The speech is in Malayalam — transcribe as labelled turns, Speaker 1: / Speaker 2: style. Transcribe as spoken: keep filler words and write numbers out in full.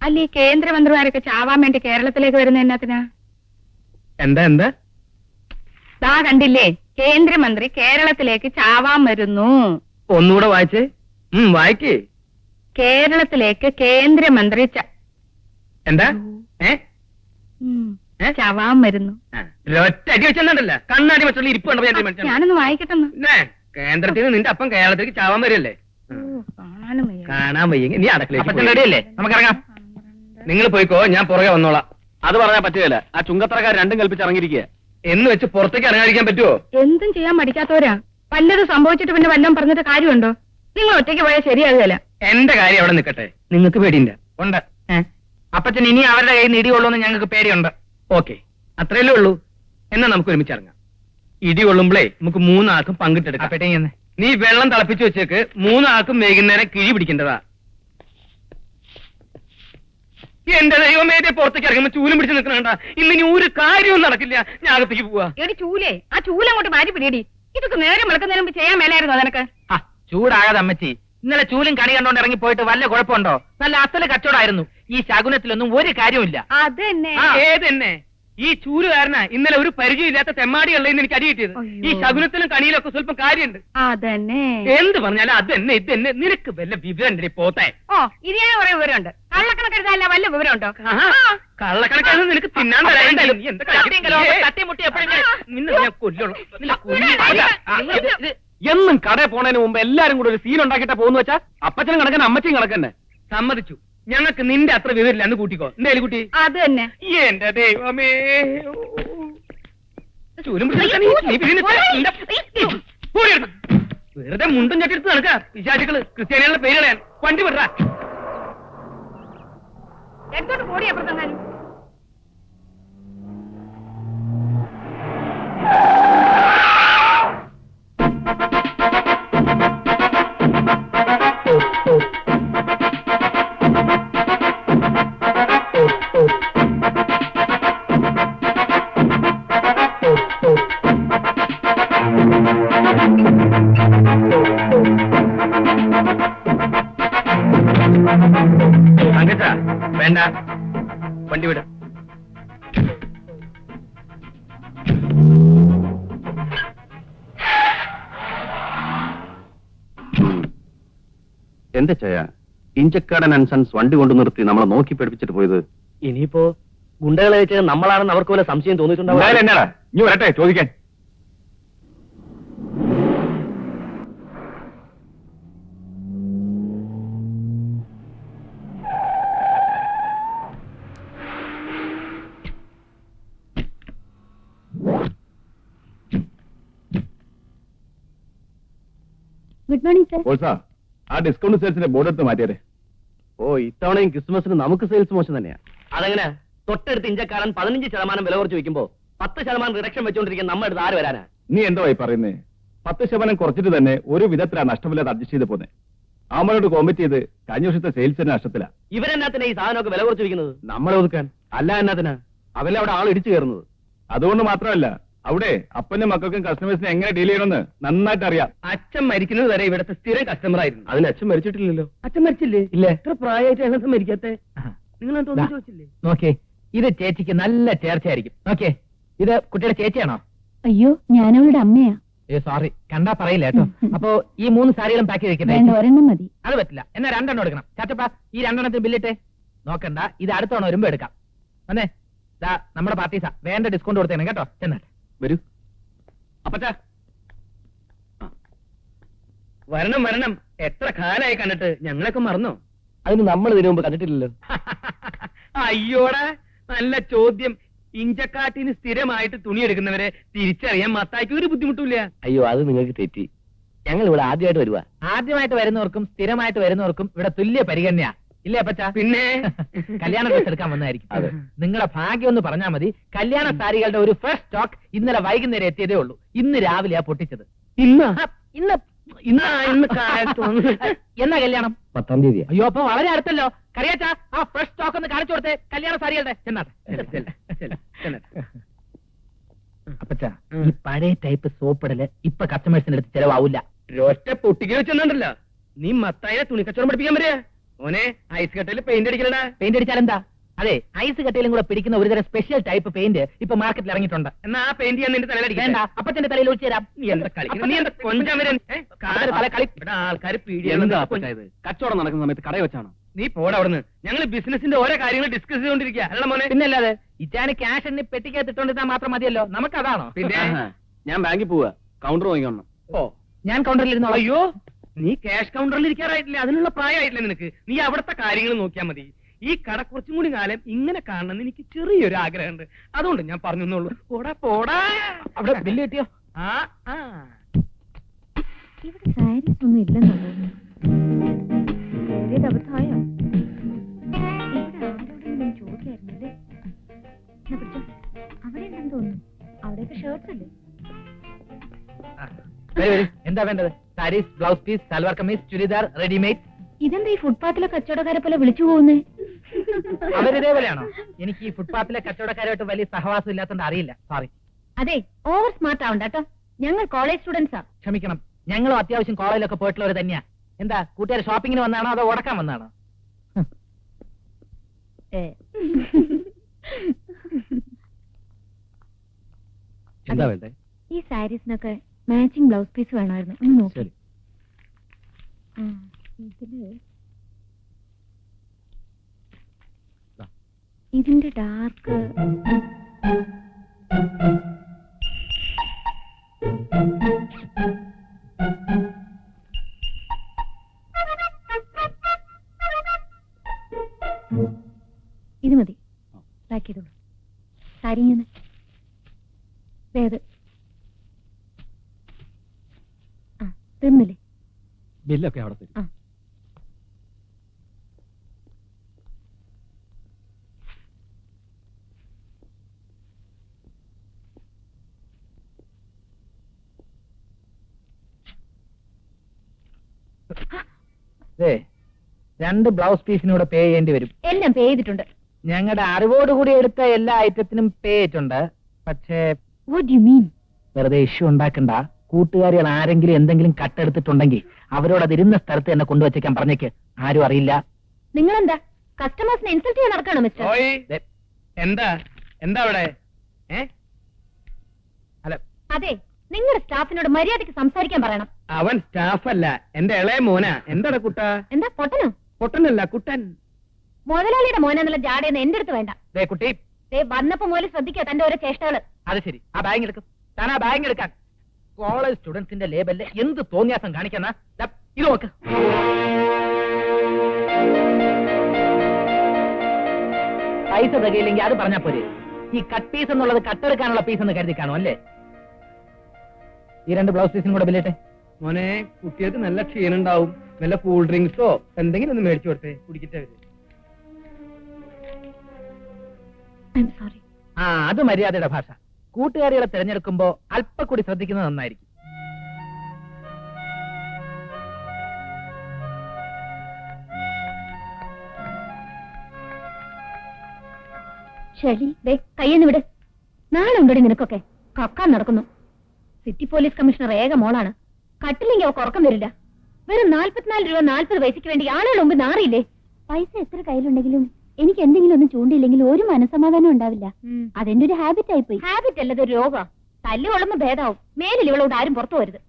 Speaker 1: അല്ല ഈ കേന്ദ്രമന്ത്രിമാരൊക്കെ ചാവാൻ വേണ്ടി കേരളത്തിലേക്ക് വരുന്ന എന്നാത്തിനാ?
Speaker 2: എന്താ എന്താ
Speaker 1: ദാ കണ്ടില്ലേ, കേന്ദ്രമന്ത്രി കേരളത്തിലേക്ക് ചാവാൻ വരുന്നു.
Speaker 2: ഒന്നുകൂടെ വായിച്ചേ. ഉം വായിക്കേ.
Speaker 1: കേരളത്തിലേക്ക് കേന്ദ്രമന്ത്രി ച-
Speaker 2: എന്താ ഏ
Speaker 1: ഉം,
Speaker 2: ഏ?
Speaker 1: ചാവാൻ വരുന്നു.
Speaker 2: ഒറ്റ അടി വെച്ചെന്നുണ്ടല്ല കണ്ണാടി വെച്ചുള്ള ഇരിപ്പ് കണ്ടപ്പോ ഞാൻ മനസ്സിലായി.
Speaker 1: ഞാനൊന്ന് വായിക്കട്ടെന്ന്.
Speaker 2: പിന്നെ കേന്ദ്രത്തിൽ നിന്ന് നിന്റെ അപ്പം കേരളത്തിലേക്ക് ചാവാൻ വരില്ലേ?
Speaker 1: ഓ, കാണാനും വയ്യ.
Speaker 2: കാണാൻ വയ്യെങ്കിൽ നീ അടക്കളയിലേക്ക്
Speaker 3: അപ്പച്ചൻ
Speaker 2: പോയി.
Speaker 3: റെഡിയല്ലേ? നമുക്കിറങ്ങാം.
Speaker 2: നിങ്ങൾ പോയിക്കോ, ഞാൻ പുറകെ വന്നോളാം.
Speaker 3: അത് പറയാൻ പറ്റുകയില്ല. ആ ചുങ്കത്തറക്കാർ രണ്ടും കൽപ്പിച്ച് ഇറങ്ങിയിരിക്കുക.
Speaker 2: എന്ന് വെച്ച് പുറത്തേക്ക് ഇറങ്ങാതിരിക്കാൻ പറ്റുമോ?
Speaker 1: എന്തും ചെയ്യാൻ പഠിക്കാത്തവരാ. വല്ലതും സംഭവിച്ചിട്ട് പിന്നെ വല്ലതും പറഞ്ഞിട്ട് കാര്യമുണ്ടോ? നിങ്ങൾ ഒറ്റയ്ക്ക് പോയാൽ ശരിയാകുകയല്ല.
Speaker 2: എന്റെ കാര്യം അവിടെ നിൽക്കട്ടെ, നിങ്ങൾക്ക് പേടിയില്ല.
Speaker 3: ഉണ്ട്. അപ്പച്ചൻ ഇനി അവരുടെ കയ്യിൽ നിന്ന് ഇടികൊള്ളുമെന്ന് ഞങ്ങൾക്ക് പേടിയുണ്ട്.
Speaker 2: ഓക്കെ, അത്രയല്ലേ ഉള്ളൂ. എന്നാ നമുക്ക് ഒരുമിച്ച് ഇറങ്ങാം. ഇടി കൊള്ളുമ്പളേ നമുക്ക് മൂന്നാൾക്കും പങ്കിട്ടെടുക്കാം.
Speaker 3: അപ്പേട്ടേന്ന്
Speaker 2: നീ വെള്ളം തിളപ്പിച്ചു വെച്ചേക്ക്. മൂന്നാൾക്കും വൈകുന്നേരം കിഴി പിടിക്കേണ്ടതാ. എന്റെ ദൈവമേ, ദേ പുറത്തേക്ക് ഇറങ്ങുമ്പോ ചൂലും പിടിച്ച് നിൽക്കണ ഇന്ന് ഇനി ഒരു കാര്യവും നടക്കില്ല. ഞാൻ അകത്തേക്ക് പോവാ.
Speaker 1: എടി ചൂലേ, ആ ചൂലങ്ങോട്ട് മാറ്റി പിടിയടി. ഇതൊക്കെ നേരം വെളുക്കുന്നതിന് മുമ്പ് ചെയ്യാൻ മേലായിരുന്നോ നിനക്ക്?
Speaker 3: ആ ചൂടാകാതെ അമ്മച്ചി. ഇന്നലെ ചൂലും കണി കണ്ടോണ്ട് ഇറങ്ങി പോയിട്ട് വല്ല കുഴപ്പമുണ്ടോ? നല്ല അസല് കച്ചവടമായിരുന്നു. ഈ ശകുനത്തിലൊന്നും ഒരു കാര്യമില്ല.
Speaker 1: അത് തന്നെ.
Speaker 2: ആ, ഏതെന്നെ ഈ ചൂലുകാരനാ ഇന്നലെ ഒരു പരിചയമില്ലാത്ത തെമ്മാടിയുള്ളതെന്ന് എനിക്ക് അടി കിട്ടിയത്. ഈ ശകുനത്തിലും കണിയിലും ഒക്കെ സ്വല്പം കാര്യമുണ്ട്.
Speaker 1: അതന്നെ.
Speaker 2: എന്ത് പറഞ്ഞാലും അത് തന്നെ ഇത് തന്നെ. നിനക്ക് വല്ല വിവരം പോത്തെ?
Speaker 1: ഓ, ഇത് ഞാൻ കുറെ വിവരമുണ്ട്. കള്ളക്കണക്കെടുത്താല വല്ല വിവരമുണ്ടോ?
Speaker 2: കള്ളക്കണക്കാണ് നിനക്ക് തിന്നാൻ തരാൻ.
Speaker 3: തട്ടിമുട്ടി എപ്പോഴെങ്കിലും
Speaker 2: നിന്നെ ഞാൻ കൊല്ലുള്ളൂ. നിന്നെ കൊല്ലും.
Speaker 3: എന്നും കടയിൽ പോണതിന് മുമ്പ് എല്ലാരും കൂടെ ഒരു സീൻ ഉണ്ടാക്കിയിട്ടാ പോകുന്നു വെച്ചാ അപ്പച്ചനും കണക്കന്നെ അമ്മച്ചിയും കണക്കന്നെ.
Speaker 2: സമ്മതിച്ചു. ഞങ്ങൾക്ക് നിന്റെ അത്ര വിവരില്ല. അന്ന് കൂട്ടിക്കോ. എന്തായാലും കുട്ടി.
Speaker 1: അത് തന്നെ.
Speaker 2: എന്റെ ദൈവമേ, ചൂലും പിടിച്ച് നീ- നീ പിന്നെ നിന്റെ- പോയി എടുത്ത്. വെറുതെ മുണ്ടും ചട്ടിയെടുത്ത് നടക്ക വിശാചികള്. ക്രിസ്ത്യാനികളുടെ പേര് കളയാൻ. വണ്ടി വിടറാ.
Speaker 1: എടുത്തോട്ട് പോടി അപ്പുറത്തെങ്ങാനും.
Speaker 2: തങ്കച്ച വേണ്ട, വണ്ടി വിട.
Speaker 4: എന്താ ചെയ്യാ? ഇഞ്ചക്കാടൻ ആൻഡ് സൺസ് വണ്ടി കൊണ്ടു നിർത്തി നമ്മളെ നോക്കി പഠിപ്പിച്ചിട്ട് പോയത്.
Speaker 3: ഇനിയിപ്പോ ഗുണ്ടകളെ വെച്ച് നമ്മളാണെന്ന് അവർക്ക് വല്ല സംശയം തോന്നിയിട്ടുണ്ടാവും.
Speaker 4: എന്നാടാ ഇനി വരട്ടെ ചോദിക്കാൻ.
Speaker 1: Good morning sir.
Speaker 4: ഓൾസാ ആ ഡിസ്കൗണ്ട് സെയിൽസിന്റെ ബോർഡ് എടുത്ത് മാറ്റിയേ. ഓ ഇത്തവണയും ക്രിസ്മസിന് നമുക്ക് സെയിൽസ് മോശം തന്നെയാ.
Speaker 3: അതെങ്ങനെ? തൊട്ടടുത്ത് ഇഞ്ചക്കാരൻ പതിനഞ്ച് ശതമാനം വില കുറച്ച് വെക്കുമ്പോ പത്ത് ശതമാനം റിഡക്ഷൻ വെച്ചോണ്ടിരിക്കുന്ന നമ്മുടെ അടുത്ത് ആര് വരാനാ?
Speaker 4: നീ എന്തായി പറയുന്നേ? പത്ത് ശതമാനം കുറച്ചിട്ട് തന്നെ ഒരു വിധത്തിലാണ് നഷ്ടമില്ലാതെ അഡ്ജസ്റ്റ് ചെയ്ത് പോന്നെ. ആമനോട് കോമ്പറ്റ് ചെയ്ത് കഴിഞ്ഞ വർഷത്തെ സെയിൽസിന്റെ നഷ്ടത്തിലാ.
Speaker 3: ഇവരെന്നാത്തിനാ ഈ സാധനമൊക്കെ വില കുറച്ച് വെക്കുന്നത്?
Speaker 4: നമ്മളെ ഒതുക്കാൻ. അല്ല എന്നാത്തിനാ അവരെ അവിടെ ആൾ ഇടിച്ചു കയറുന്നത്. അതുകൊണ്ട് മാത്രമല്ല, അവിടെ അപ്പനും മക്കൾക്കും കസ്റ്റമേഴ്സിനെ എങ്ങനെ ഡീൽ ചെയ്യണമെന്ന് നന്നായിട്ട് അറിയാം.
Speaker 2: അച്ഛൻ മരിക്കുന്നത് വരെ ഇവിടുത്തെ സ്ഥിരം കസ്റ്റമർ ആയിരുന്നു.
Speaker 4: അതിന് അച്ഛൻ മരിച്ചിട്ടില്ലല്ലോ.
Speaker 2: അച്ഛൻ മരിച്ചില്ലേ?
Speaker 3: ഇല്ല.
Speaker 2: എത്ര പ്രായമായിട്ട് അച്ഛൻ മരിക്കാത്തെ? നിങ്ങൾ ഒന്നും ചോദിച്ചില്ലേ?
Speaker 3: നോക്കേ, ഇത് ചേച്ചിക്ക് നല്ല ചേർച്ചയായിരിക്കും. നോക്കേ, ഇത് കുട്ടിയുടെ ചേച്ചിയാണോ?
Speaker 1: അയ്യോ, ഞാനവളുടെ അമ്മയാ.
Speaker 3: ഏ സോറി, കണ്ടാ പറയില്ല കേട്ടോ. അപ്പോ ഈ മൂന്ന് സാരികളും പാക്ക് ചെയ്ത്
Speaker 1: വേണ്ട,
Speaker 3: വെക്കട്ടെ?
Speaker 1: ഒരെണ്ണം മതി.
Speaker 3: അത് പറ്റില്ല. എന്നാ രണ്ടെണ്ണം എടുക്കണം. ചാച്ചപ്പ ഈ രണ്ടെണ്ണത്തിന് ബില്ലിട്ടെ. നോക്കണ്ട, ഇത് അടുത്തവണ വരുമ്പോ എടുക്കാം. വന്നേ, ദാ നമ്മുടെ പാർട്ടീസാ. വേണ്ട ഡിസ്കൗണ്ട് കൊടുത്തേനെ കേട്ടോ. ചെന്നാട്ടെ.
Speaker 4: വരൂ.
Speaker 2: അപ്പച്ചാ വരണം വരണം. എത്ര കാലായി കണ്ടിട്ട്. ഞങ്ങളൊക്കെ മറന്നോ?
Speaker 3: അതിന് നമ്മൾ ഇതിനു മുമ്പ് കണ്ടിട്ടില്ലല്ലോ.
Speaker 2: അയ്യോടാ, നല്ല ചോദ്യം. ഇഞ്ചക്കാട്ടിന് സ്ഥിരമായിട്ട് തുണി എടുക്കുന്നവരെ തിരിച്ചറിയാൻ മത്തായിക്ക് ഒരു ബുദ്ധിമുട്ടില്ല.
Speaker 3: അയ്യോ, അത് നിങ്ങൾക്ക് തെറ്റി. ഞങ്ങൾ ഇവിടെ ആദ്യമായിട്ട് വരുവാ. ആദ്യമായിട്ട് വരുന്നവർക്കും സ്ഥിരമായിട്ട് വരുന്നവർക്കും ഇവിടെ തുല്യ പരിഗണനയാ. ഇല്ലേ അപ്പച്ചാ?
Speaker 2: പിന്നെ
Speaker 3: കല്യാണ ഡ്രസ് എടുക്കാൻ വന്നായിരിക്കും.
Speaker 4: അതെ.
Speaker 3: നിങ്ങളുടെ ഭാഗ്യം ഒന്ന് പറഞ്ഞാൽ മതി. കല്യാണ സാരികളുടെ ഒരു ഫസ്റ്റ് സ്റ്റോക്ക് ഇന്നലെ വൈകുന്നേരം എത്തിയതേ ഉള്ളൂ. ഇന്ന് രാവിലെയാ പൊട്ടിച്ചത്.
Speaker 2: ഇന്ന്
Speaker 3: ആ, ഇന്ന്
Speaker 2: ഇന്ന് ഇന്ന് കാലത്തൊന്ന്
Speaker 3: എന്നാ കല്യാണം?
Speaker 4: പത്താം തീയതി.
Speaker 3: അയ്യോ, അപ്പൊ വളരെ അടുത്തല്ലോ. കറിയാച്ചാ, ആ ഫ്രഷ് സ്റ്റോക്ക് ഒന്ന് കാണിച്ചു കൊടുത്തേ കല്യാണ സാരികളുടെ. ചെന്നാട്ടെ. അപ്പച്ചാ, ഈ പഴയ ടൈപ്പ് സോപ്പിടല് ഇപ്പൊ കസ്റ്റമേഴ്സിന്റെ അടുത്ത് ചെലവാവില്ല.
Speaker 2: ഒറ്റ പൊട്ടിക്ക് വെച്ചെന്നുണ്ടല്ലോ. നീ മത്തായിനെ തുണിക്കച്ചവടം പഠിപ്പിക്കാൻ വരിക. മോനെ ഐസ് കട്ടയിൽ പെയിന്റ് അടിക്കലടാ.
Speaker 3: പെയിന്റ് അടിച്ചാൽ എന്താ? അതെ, ഐസ് കട്ടയിലും കൂടെ പിടിക്കുന്ന ഒരുതരം സ്പെഷ്യൽ ടൈപ്പ് പെയിന്റ് ഇപ്പൊ മാർക്കറ്റിൽ ഇറങ്ങിയിട്ടുണ്ട്.
Speaker 2: എന്നാ ആ പെയിന്റ് ഞാൻ നിന്റെ തലയിലടിക്കണ്ട.
Speaker 3: വേണ്ട, അപ്പച്ചന്റെ തലയിൽ ഒഴിച്ചു തരാം.
Speaker 2: നീ എന്താ കളിക്കുന്നത്? നീ എന്താ കൊഞ്ചാൻ വരാൻ? ഏ? കാല്
Speaker 3: തല കളി.
Speaker 2: ഇവിടെ ആൾക്കാർ
Speaker 4: എന്താ
Speaker 2: പീടിയാണ്.
Speaker 4: അപ്പച്ചാ ഇത്? കച്ചവടം നടക്കുന്ന സമയത്ത് കടയിൽ വെച്ചാണോ?
Speaker 2: നീ പോടാ അവിടുന്ന്. ഞങ്ങൾ ബിസിനസിന്റെ ഓരോ കാര്യങ്ങൾ ഡിസ്കസ് ചെയ്തോണ്ടിരിക്കുക അല്ല മോനെ.
Speaker 3: പിന്നല്ലാതെ ഇറ്റാന് ക്യാഷ് എണ്ണി പെട്ടിക്കകത്ത് ഇട്ടോണ്ടിരുന്നാൽ മാത്രം മതിയല്ലോ. നമുക്കതാണോ?
Speaker 2: പിന്നെ
Speaker 4: ആഹാ. ഞാൻ ബാങ്കിൽ പോവാ, കൗണ്ടർ വാങ്ങിക്കണം.
Speaker 2: ഓ
Speaker 3: ഞാൻ കൗണ്ടറിൽ ഇരുന്നോളാം.
Speaker 2: അയ്യോ, നീ ക്യാഷ് കൗണ്ടറിൽ ഇരിക്കാറായിട്ടില്ല. അതിനുള്ള പ്രായമായിട്ടില്ല നിനക്ക്. നീ അവിടുത്തെ കാര്യങ്ങൾ നോക്കിയാൽ മതി. ഈ കട കുറച്ചും കൂടി കാലം ഇങ്ങനെ കാണണമെന്ന് എനിക്ക് ചെറിയൊരു ആഗ്രഹമുണ്ട്. അതുകൊണ്ട് ഞാൻ പറഞ്ഞെന്നുള്ളൂ. പോടാ പോടാ.
Speaker 3: അവിടെ ബില്ല് കിട്ടിയോ?
Speaker 2: ആ ആ
Speaker 1: ഇവിടെ സാരീസ് ഒന്നും ഇല്ലെന്ന് തോന്നുന്നു. അബദ്ധമായോ? ഇവിടെ ആരോടെങ്കിലും ചോദിക്കായിരുന്നല്ലേ? എന്നാ പിടിച്ചോ. അവിടെ ഉണ്ടെന്ന് തോന്നുന്നു. അവിടെയൊക്കെ ഷർട്ട്സ് അല്ലേ?
Speaker 3: വരൂ, വരൂ. എന്താ വേണ്ടത്? Saris, blouse piece, salwar kameez, churidar, readymade.
Speaker 1: ഇതെന്താ ഈ ഫുട്പാത്തിലെ കച്ചവടക്കാരെ പോലെ വിളിച്ചു പോകുന്നേ?
Speaker 3: അവരിതേപോലെയാണോ? എനിക്ക് ഈ ഫുട്പാത്തിലെ കച്ചവടക്കാരുമായിട്ട് വലിയ സഹവാസം ഇല്ലാത്തതുകൊണ്ട് അറിയില്ല. സോറി.
Speaker 1: അതെ, ഓവർ സ്മാർട്ട് ആവണ്ട കേട്ടോ. ഞങ്ങൾ കോളേജ് സ്റ്റുഡൻസാ.
Speaker 3: ക്ഷമിക്കണം, ഞങ്ങളും അത്യാവശ്യം കോളേജിലൊക്കെ പോയിട്ടുള്ളവർ തന്നെയാ. എന്താ, കൂട്ടുകാർ ഷോപ്പിങ്ങിന് വന്നാണോ അതോ ഉടക്കാൻ വന്നാണോ?
Speaker 4: എന്താ വേണ്ടേ?
Speaker 1: ഈ സാരീസിനൊക്കെ മാച്ചിങ് ബ്ലൗസ് പീസ് വേണമായിരുന്നു. ഒന്ന് നോക്കി.
Speaker 4: ശരി.
Speaker 1: ഇതില്
Speaker 4: ദാ.
Speaker 1: ഇതിന്റെ ഡാർക്ക് ഇത് മതി. പാക്ക് ചെയ്തോളൂ. സാരി ഇങ്ങനെ വേത് ആ തീർന്നില്ലേ?
Speaker 4: ബില്ലൊക്കെ അവിടെ തരും.
Speaker 1: ആ.
Speaker 3: ദേ, രണ്ട് ബ്ലൗസ് പീസിനൂടെ പേ ചെയ്യേണ്ടി വരും.
Speaker 1: എല്ലാം പേ ചെയ്തിട്ടുണ്ട്.
Speaker 3: ഞങ്ങളുടെ അറിവോടുകൂടി എടുത്ത എല്ലാ ഐറ്റത്തിനും പേ ചെയ്തിട്ടുണ്ട്. പക്ഷേ
Speaker 1: വാട്ട് യു മീൻ?
Speaker 3: വെറുതെ ഇഷ്യൂ ഉണ്ടാക്കണ്ട. കൂട്ടുകാരികൾ ആരെങ്കിലും എന്തെങ്കിലും കട്ടെടുത്തിട്ടുണ്ടെങ്കിൽ അവരോട് അത് ഇരുന്ന സ്ഥലത്ത് തന്നെ കൊണ്ടുവച്ചേക്കാൻ പറഞ്ഞേക്ക്. ആരും അറിയില്ല.
Speaker 1: നിങ്ങളെന്താ കസ്റ്റമേഴ്സിനെ ഇൻസൾട്ട് ചെയ്യാൻ നടക്കാണോ മിസ്റ്റർ?
Speaker 2: ഓയ്
Speaker 3: ദേ,
Speaker 2: എന്താ എന്താ അവിടെ? ഏ
Speaker 3: അല്ല,
Speaker 1: അതെ, നിങ്ങളുടെ സ്റ്റാഫിനോട് മര്യാദയ്ക്ക് സംസാരിക്കാൻ പറയണം.
Speaker 2: അവൻ സ്റ്റാഫല്ല, എന്റെ ഇളയ മോനാ. എന്താടാ കുട്ട?
Speaker 1: എന്താ പൊട്ടനോ?
Speaker 2: പൊട്ടനല്ല, കുട്ടൻ.
Speaker 1: മുതലാളിയുടെ മോനെന്നുള്ള ജാടയെന്ന് എന്റെ അടുത്ത് വേണ്ട.
Speaker 3: ദേ കുട്ടി,
Speaker 1: ദേ വന്നപ്പോ മുതൽ ശ്രദ്ധിക്കുക തന്റെ ഓരോ ചേഷ്ടകള്.
Speaker 3: അത് ശരി. ആ ബാഗ് എടുക്കും. താൻ ആ ബാഗ് എടുക്കാൻ. കോളേജ് സ്റ്റുഡൻസിന്റെ ലേബലില് എന്ത് തോന്നിയാസം കാണിക്കുന്ന ഇത് നോക്ക്. പൈസ തികയില്ലെങ്കിൽ അത് പറഞ്ഞാ പോരെ. ഈ കട്ട് പീസ് എന്നുള്ളത് കട്ടെടുക്കാനുള്ള പീസ് എന്ന് കരുതി കാണും അല്ലേ? ഈ രണ്ട് ബ്ലൗസ് പീസിനും കൂടെ ബില്ലിട്ടെ.
Speaker 2: മോനെ, കുട്ടികൾക്ക് നല്ല ക്ഷീണുണ്ടാവും. വല്ല കൂൾ ഡ്രിങ്ക്സോ എന്തെങ്കിലും ഒന്ന് മേടിച്ചു കൊടുത്തേ, കുടിക്കട്ടെ അവര്.
Speaker 1: I'm sorry.
Speaker 3: ആ, അത് മര്യാദയുടെ ഭാഷ. കൂട്ടുകാരികളെ തിരഞ്ഞെടുക്കുമ്പോ അല്പക്കൂടി ശ്രദ്ധിക്കുന്നത് നന്നായിരിക്കും.
Speaker 1: ശരി, ദേ കയ്യെന്ന് വിട്. നാളെ ഉണ്ടടി നിനക്കൊക്കെ. കക്കാൻ നടക്കുന്നു. സിറ്റി പോലീസ് കമ്മീഷണർ ഏക മോളാണ്. കട്ടില്ലെങ്കിൽ അവർക്ക് ഉറക്കം വരില്ല. വെറും നാല്പത്തിനാല് രൂപ നാല്പത് പൈസക്ക് വേണ്ടി ആളുകൾ മുമ്പ് നാറിയില്ലേ? പൈസ എത്ര കയ്യിലുണ്ടെങ്കിലും എനിക്ക് എന്തെങ്കിലും ഒന്നും ചൂണ്ടിയില്ലെങ്കിൽ ഒരു മനസ്സമാധാനം ഉണ്ടാവില്ല. അതെന്റെ ഒരു ഹാബിറ്റ് ആയിപ്പോയി. ഹാബിറ്റ് അല്ലത് ഒരു രോഗ. തല്ല് കൊള്ളുമ്പോ ഭേദാവും. മേലിൽ ഇവളോട് ആരും പുറത്തു പോരുത്.